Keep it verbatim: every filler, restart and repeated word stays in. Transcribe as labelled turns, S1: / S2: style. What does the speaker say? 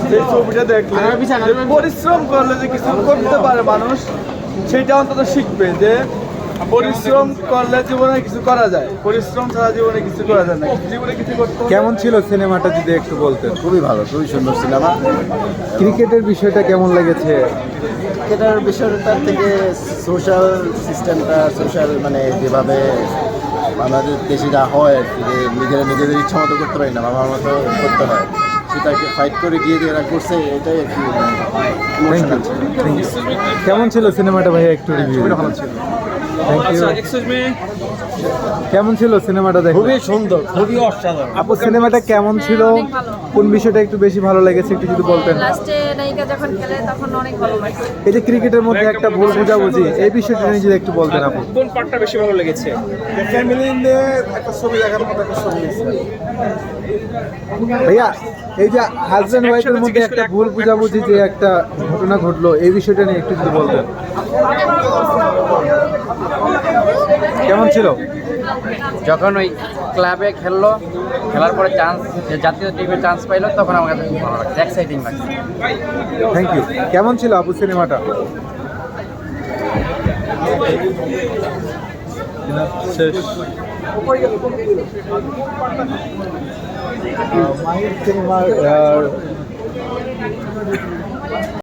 S1: সেই ছবিটা দেখলে পরিশ্রম করলে যে কিছু করতে পারে মানুষ, সেটা অন্তত শিখবে যে পরিশ্রম করলে জীবনে কিছু করা যায়, পরিশ্রম ছাড়া জীবনে কিছু করা যায় না। জীবনে কিছু করতে
S2: কেমন ছিল সিনেমাটা যদি একটু বলতেন?
S3: খুবই ভালো, খুবই সুন্দর সিনেমা।
S2: ক্রিকেটের বিষয়টা কেমন লেগেছে?
S3: ক্রিকেটের বিষয়টার থেকে সোশ্যাল সিস্টেমটা, সোশ্যাল মানে যেভাবে আমাদের দেশে যা হয় আর কি, যে নিজেরা নিজেদের ইচ্ছা মতো করতে পারি না, বাবার মতো করতে হয়, সেটাকে ফাইট করে গিয়ে যে এরা করছে, এটাই আর কি ইমোশনাল ছিল।
S2: কেমন ছিল সিনেমাটা ভাইয়া একটু রিভিউ?
S3: ভালো ছিল।
S2: Thank you. কেমন ছিল সিনেমাটা দেখে?
S1: খুবই সুন্দর, খুবই অসাধারণ।
S2: আপু সিনেমাটা কেমন ছিল? কোন বিষয়টা একটু বেশি ভালো লেগেছে একটু যদি বলতেন?
S4: লাস্টে নায়িকা যখন খেলে তখন অনেক ভালো লাগছে।
S2: এই যে ক্রিকেটের মধ্যে একটা ভুল বোঝাবুঝি, এই বিষয়টা নিয়ে যদি একটু বলতেন আপু।
S5: কোন পার্টটা বেশি ভালো লেগেছে?
S1: ফ্যামিলি নিয়ে একটা ছবি দেখার মতো একটা ছবি।
S2: ভাইয়া এই যে হাজব্যান্ড ওয়াইফের মধ্যে একটা ভুল বোঝাবুঝি যে একটা ঘটনা ঘটলো, এই বিষয়টা নিয়ে একটু যদি বলতেন। কেমন ছিল?
S6: যখন ওই ক্লাবে খেললো, খেলার পরে চান্স, জাতীয় টিমে চান্স পাইলো, তখন আমার কাছে খুব ভালো লাগছে, এক্সাইটিং লাগছে।
S2: Thank you. কেমন ছিল আপু সিনেমাটা?
S1: শেষ।
S2: মাহির সিনেমার